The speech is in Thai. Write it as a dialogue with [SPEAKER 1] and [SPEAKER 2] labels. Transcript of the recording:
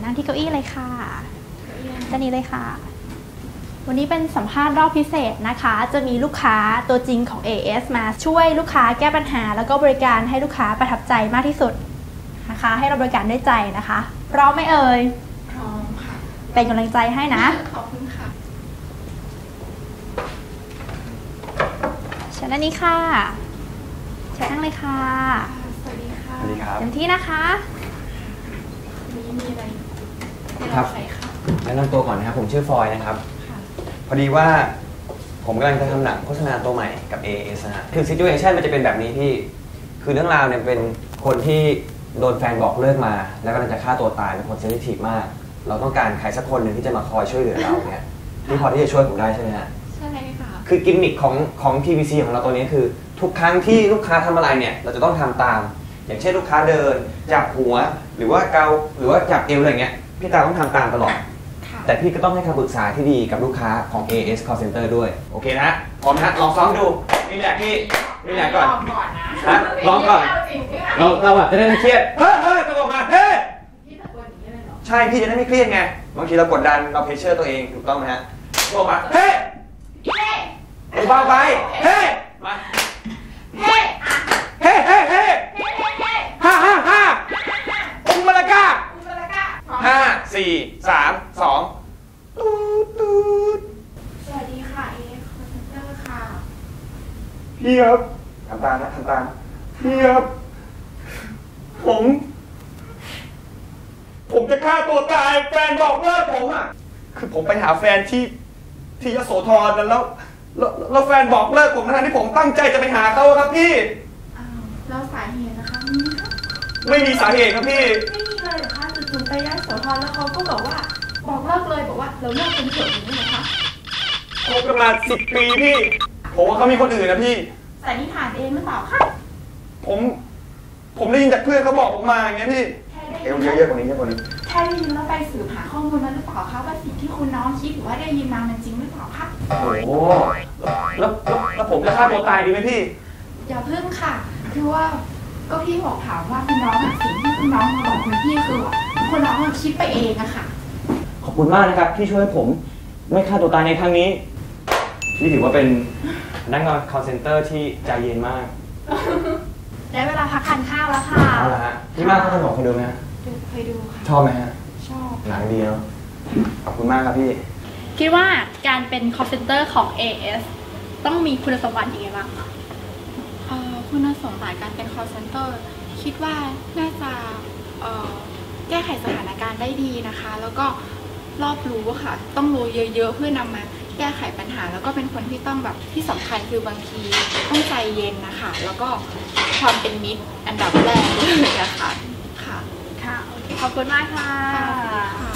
[SPEAKER 1] นั่งที่เก้าอี้เลยค่ะด้านนี้เลยค่ะวันนี้เป็นสัมภาษณ์รอบพิเศษนะคะจะมีลูกค้าตัวจริงของ AS มาช่วยลูกค้าแก้ปัญหาแล้วก็บริการให้ลูกค้าประทับใจมากที่สุดนะคะให้เราบริการด้วยใจนะคะพร้อมไหมเอ่ย
[SPEAKER 2] พร้อมค่ะ
[SPEAKER 1] เป็นกำลังใจให้นะ
[SPEAKER 2] ขอบคุณค่ะ
[SPEAKER 1] เชิญด้านนี้ค่ะเชิญนั่งเลยค่ะ
[SPEAKER 2] สวัสดีค่ะ
[SPEAKER 3] สวัสดีครับ
[SPEAKER 1] เต็มที่นะคะ
[SPEAKER 2] มีอะไร
[SPEAKER 3] ครับแนะนำตัวก่อนนะครับผมชื่อฟอยนะครับพอดีว่าผมกำลังจะทำหนังโฆษณาตัวใหม่กับ AS นะฮะคือซิทูเอชั่นมันจะเป็นแบบนี้พี่คือเรื่องราวเนี่ยเป็นคนที่โดนแฟนบอกเลิกมาแล้วกำลังจะฆ่าตัวตายเป็นคนเซนซิทีฟมากเราต้องการใครสักคนหนึ่งที่จะมาคอยช่วยเหลือเราเนี่ยที่พอที่จะช่วยผมได้ใช่ไหมฮะ
[SPEAKER 2] ใช่ค่ะ
[SPEAKER 3] คือกิมมิคของ TVC ของเราตัวนี้คือทุกครั้งที่ลูกค้าทำอะไรเนี่ยเราจะต้องทำตามอย่างเช่นลูกค้าเดินจับหัวหรือว่าเกาหรือว่าจับเอวอะไรเงี้ยพี่ตาต้องทำตามตลอดแต่พี่ก็ต้องให้คำปรึกษาที่ดีกับลูกค้าของ AS Call Center ด้วยโอเคนะพร้อมนะลองซ้อมดูนี่แหละพี่นี่แหละก่อนนะลองก่อนเราจะได้ไม่เครียดเฮ้ยตะโกนมาเฮ้ยใช่พี่จะได้ไม่เครียดไงบางทีเรากดดันเราเพรสเชอร์ตัวเองถูกต้องไหมฮะตะโกนมาเฮ้ยเบาไปเฮ้ยมาเฮ้ห้าอุมละกา5 4 3 2ตูด
[SPEAKER 2] สวัสดีค่ะ AS Call Center ค่ะ
[SPEAKER 3] พี่ครับทำตามนะทำตามพี่ครับผมจะฆ่าตัวตายแฟนบอกเลิกผมอ่ะคือผมไปหาแฟนที่ยโสธรแล้วแฟนบอกเลิกผมทั้งที่ผมตั้งใจจะไปหาเขาครับพี่
[SPEAKER 2] แล้วสาเหตุนะคะ
[SPEAKER 3] ไม่มีสาเหตุครับพี่
[SPEAKER 2] ไม่มีเลยเหรอคะจู่ๆไปยโสธรแล้วเขาก็บอกว่าบอกเลิกเลยบอกว่าเราเลิกเป็นเถอะอย่างนี้เหรอคะ
[SPEAKER 3] คบกันมา10 ปีพี่ผมว่าเขามีคนอื่นนะพี่
[SPEAKER 2] สันนิษฐานเองหรือเปล่าคะ
[SPEAKER 3] ผมได้ยินจากเพื่อนเขาบอกผมมาอย่างเงี้ยพี่เอวเยอะๆกว่านี้แค่คนนี้
[SPEAKER 2] แค่ได้ยินแล้วไปสืบหาข้อมูลนั้นหรือเปล่าคะว่าสิ่งที่คุณน้องคิดหรือว่าได้ยินมามันจริงหรือเปล่าคะ
[SPEAKER 3] โอ้แล้วผมจะฆ่าตัวตายดีไหมพี่
[SPEAKER 2] อย่าพึ่งค่ะคือว่าก็พี่บอกถามว่าคุณน้องสิ่งที่คุณน้องมาบอกคุณพี่คือคุณน้องคิดไปเองอะค่ะ
[SPEAKER 3] ขอบคุณมากนะครับที่ช่วยผมไม่ฆ่าตัวตายในครั้งนี้พี่ถือว่าเป็นพนักงาน call center ที่ใจเย็นมาก
[SPEAKER 1] ได้เวลาพักทานข้าวแล้วค่ะ
[SPEAKER 3] เอาละฮะพี่มากเขาขนมเคยดูไหม
[SPEAKER 2] เคยดูค่ะ
[SPEAKER 3] ชอบไหมฮะ
[SPEAKER 2] ชอบ
[SPEAKER 3] หนังดีเนาะขอบคุณมากครับพี่
[SPEAKER 1] คิดว่าการเป็น call center ของ AS ต้องมีคุณสมบัติยังไงบ้าง
[SPEAKER 2] คุณสมบัติการเป็น call center คิดว่าน่าจะแก้ไขสถานการณ์ได้ดีนะคะแล้วก็รอบรู้ค่ะต้องรู้เยอะๆเพื่อนำมาแก้ไขปัญหาแล้วก็เป็นคนที่ต้องแบบที่สำคัญคือบางทีต้องใจเย็นนะคะแล้วก็ความเป็นมิตรอันดับแรกเลยนะคะ
[SPEAKER 1] ค่ะโอเคขอบคุณมากค่ะ